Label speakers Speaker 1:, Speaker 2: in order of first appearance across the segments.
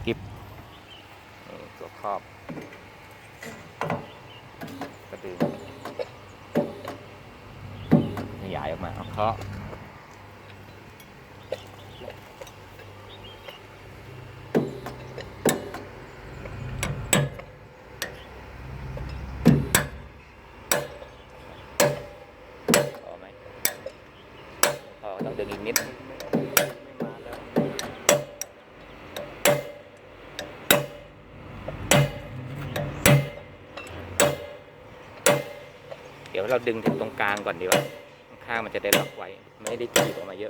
Speaker 1: กิฟตัวครอบกระดึงขยายออกมาเอาเคาะพอไหมพอต้องดึงอีกนิดเดี๋ยวเราดึงถึงตรงกลางก่อนดีกว่าข้างมันจะได้ล็อกไว้ไม่ได้ถีบออกมาเยอะ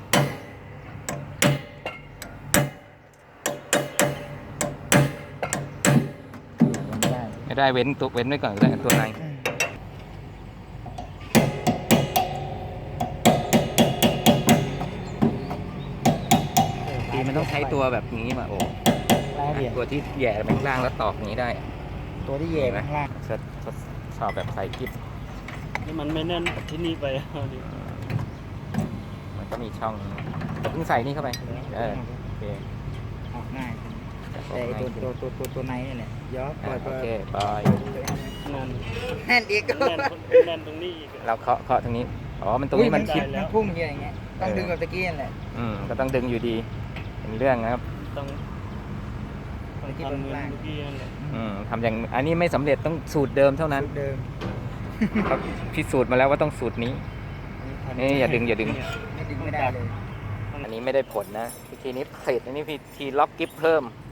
Speaker 1: ไม่ได้เว้นตัวเว้นไว้ก่อนก็ได้ตัวในมันต้องใช้ตัวแบบนี้มาโอ้ตัวที่แย่ไปข้างล่างแล้วตอกนี้ได้
Speaker 2: ตัวที่แย่ข้างล่าง
Speaker 1: ทดสอบแบบใส่กิ๊บ
Speaker 3: นี่มันไม่แน่นที่นี่ไป
Speaker 1: มันก็มีช่องเพิ่งใส่นี่เข้าไปโอเค
Speaker 2: ออกง่ายแต่ตัวในนี่แหละย้อนปล่อย
Speaker 1: โอเคปล่อย
Speaker 2: แน่นอีก
Speaker 3: แน่นตรงนี้อีก
Speaker 1: เราเคาะตรงนี้อ๋อมันตรงนี้มันคิด
Speaker 2: พุ่งอย่างเงี้ยต้องดึงกับตะกี้นั่นแหละ
Speaker 1: ก็ต้องดึงอยู่ดีเป็นเรื่องนะครับ
Speaker 3: ต้องทำเหมือนเมื่อกี้นั่นแหละ
Speaker 1: ทำอย่างอันนี้ไม่สำเร็จต้องสูตรเดิมเท่านั้น
Speaker 2: เดิม
Speaker 1: เขาพิสูจน์มาแล้วว่าต้องสูตรนี้นี่อย่าดึง
Speaker 2: ไม่ดึงไม่ได้เลย
Speaker 1: อันนี้ไม่ได้ผลนะวิธีนี้เสร็จอันนี้วิธีล็อกกิ๊บเพิ่ม